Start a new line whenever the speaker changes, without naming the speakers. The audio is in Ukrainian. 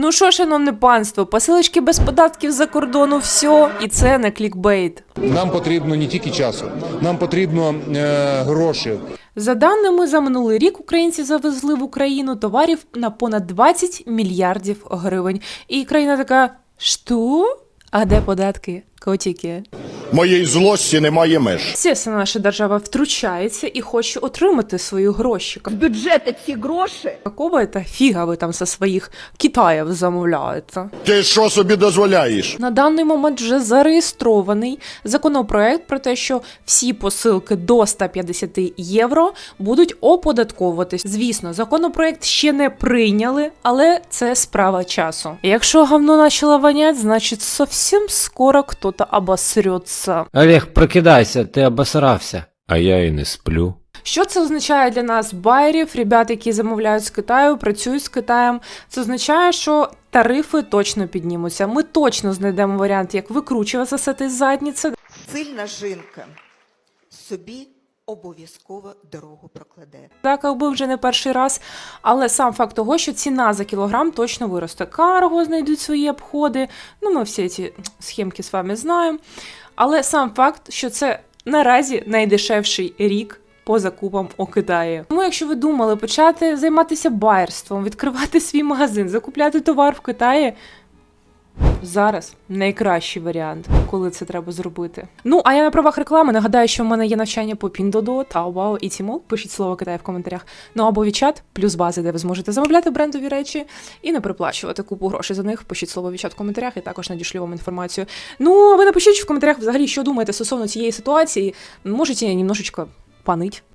Ну що, шановне панство, посилочки без податків за кордону, все, і це не клікбейт.
Нам потрібно не тільки часу, нам потрібно гроші.
За даними, за минулий рік українці завезли в Україну товарів на понад 20 мільярдів гривень. І країна така, що? А де податки, котики?
Моєї злості немає меж.
Звісно, наша держава втручається і хоче отримати свої гроші.
З бюджету ці гроші
Какого це фіга ви там со своїх Китаїв замовляєте?
Ти що собі дозволяєш?
На даний момент вже зареєстрований законопроект про те, що всі посилки до 150 євро будуть оподатковуватись. Звісно, законопроект ще не прийняли, але це справа часу. Якщо говно почало вонять, значить зовсім скоро хтось обосрется.
Олег, прокидайся, ти обосрався. А я і не сплю.
Що це означає для нас, байерів, ребят, які замовляють з Китаю, працюють з Китаєм? Це означає, що тарифи точно піднімуться. Ми точно знайдемо варіант, як викручуватися з цієї задниці.
Сильна жінка собі обов'язково дорогу прокладе.
Так, якби вже не перший раз, але сам факт того, що ціна за кілограм точно виросте. Карго знайдуть свої обходи, ну ми всі ці схемки з вами знаємо. Але сам факт, що це наразі найдешевший рік по закупам у Китаї. Тому якщо ви думали почати займатися байерством, відкривати свій магазин, закупляти товар в Китаї, зараз найкращий варіант, коли це треба зробити. Ну, а я на правах реклами нагадаю, що в мене є навчання по Pinduoduo, Taobao і Tmall. Пишіть слово Китай в коментарях. Ну або WeChat, плюс бази, де ви зможете замовляти брендові речі і не переплачувати купу грошей за них. Пишіть слово WeChat в коментарях і також надішлю вам інформацію. Ну, а ви напишіть в коментарях взагалі, що думаєте стосовно цієї ситуації. Можете немножечко панить.